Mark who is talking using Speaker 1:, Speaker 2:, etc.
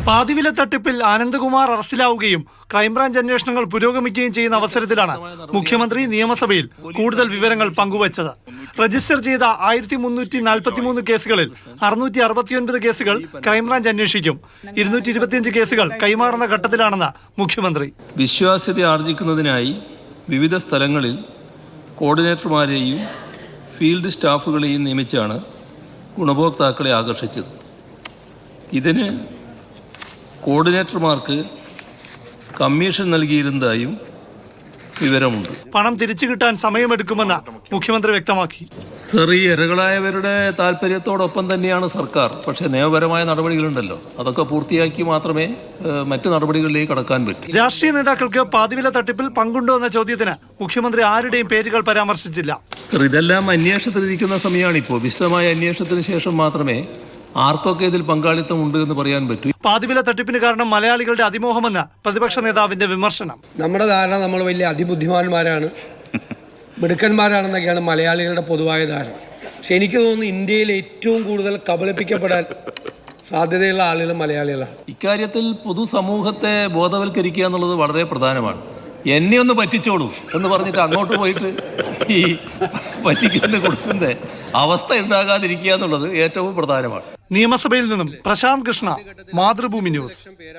Speaker 1: പാതിവില തട്ടിപ്പിൽ ആനന്ദകുമാർ അറസ്റ്റിലാവുകയും ക്രൈംബ്രാഞ്ച് അന്വേഷണങ്ങൾ പുരോഗമിക്കുകയും ചെയ്യുന്ന അവസരത്തിലാണ് മുഖ്യമന്ത്രി നിയമസഭയിൽ കൂടുതൽ വിവരങ്ങൾ പങ്കുവച്ചത്. രജിസ്റ്റർ ചെയ്ത 1343 കേസുകളിൽ 669 കേസുകൾ ക്രൈംബ്രാഞ്ച് അന്വേഷിക്കും. 225 കേസുകൾ കൈമാറുന്ന ഘട്ടത്തിലാണെന്ന് മുഖ്യമന്ത്രി.
Speaker 2: വിശ്വാസ്യത ആർജിക്കുന്നതിനായി വിവിധ സ്ഥലങ്ങളിൽ കോർഡിനേറ്റർമാരെയും ഫീൽഡ് സ്റ്റാഫുകളെയും നിയമിച്ചാണ് ഗുണഭോക്താക്കളെ ആകർഷിച്ചത്. ഇതിന് കോർഡിനേറ്റർമാർക്ക് കമ്മീഷൻ നൽകിയിരുന്നതായും വിവരമുണ്ട്.
Speaker 1: പണം തിരിച്ചു കിട്ടാൻ സമയമെടുക്കുമെന്ന് മുഖ്യമന്ത്രി വ്യക്തമാക്കി.
Speaker 2: ഈ ഇരകളായവരുടെ താല്പര്യത്തോടൊപ്പം തന്നെയാണ് സർക്കാർ. പക്ഷേ നിയമപരമായ നടപടികളുണ്ടല്ലോ, അതൊക്കെ പൂർത്തിയാക്കി മാത്രമേ മറ്റു നടപടികളിലേക്ക് കടക്കാൻ പറ്റൂ.
Speaker 1: രാഷ്ട്രീയ നേതാക്കൾക്ക് പാതിവില തട്ടിപ്പിൽ പങ്കുണ്ടോ എന്ന ചോദ്യത്തിന് മുഖ്യമന്ത്രി ആരുടെയും പേരുകൾ പരാമർശിച്ചില്ല.
Speaker 2: ഇതെല്ലാം അന്വേഷണത്തിലിരിക്കുന്ന സമയമാണിപ്പോൾ. വിശദമായ അന്വേഷണത്തിന് ശേഷം മാത്രമേ ആർക്കൊക്കെ ഇതിൽ പങ്കാളിത്തമുണ്ട് എന്ന് പറയാൻ പറ്റൂ.
Speaker 1: പാതിവില തട്ടിപ്പിന് കാരണം മലയാളികളുടെ അതിമോഹമെന്ന് പ്രതിപക്ഷ നേതാവിന്റെ വിമർശനം.
Speaker 3: നമ്മുടെ ധാരണ നമ്മൾ വലിയ അതിബുദ്ധിമാന്മാരാണ്, മിടുക്കന്മാരാണെന്നൊക്കെയാണ് മലയാളികളുടെ പൊതുവായ ധാരണ. പക്ഷെ എനിക്ക് തോന്നുന്നു ഇന്ത്യയിൽ ഏറ്റവും കൂടുതൽ കബളിപ്പിക്കപ്പെടാൻ സാധ്യതയുള്ള ആളുകൾ മലയാളികളാണ്.
Speaker 2: ഇക്കാര്യത്തിൽ പൊതുസമൂഹത്തെ ബോധവൽക്കരിക്കുക എന്നുള്ളത് വളരെ പ്രധാനമാണ്. എന്നെ ഒന്ന് പറ്റിച്ചോളൂ എന്ന് പറഞ്ഞിട്ട് അങ്ങോട്ട് പോയിട്ട് ഈ പറ്റിക്കുന്ന കൊടുക്കുന്ന അവസ്ഥ ഉണ്ടാകാതിരിക്കുക എന്നുള്ളത് ഏറ്റവും പ്രധാനമാണ്.
Speaker 1: നിയമസഭയിൽ നിന്നും പ്രശാന്ത് കൃഷ്ണ, മാതൃഭൂമി ന്യൂസ്.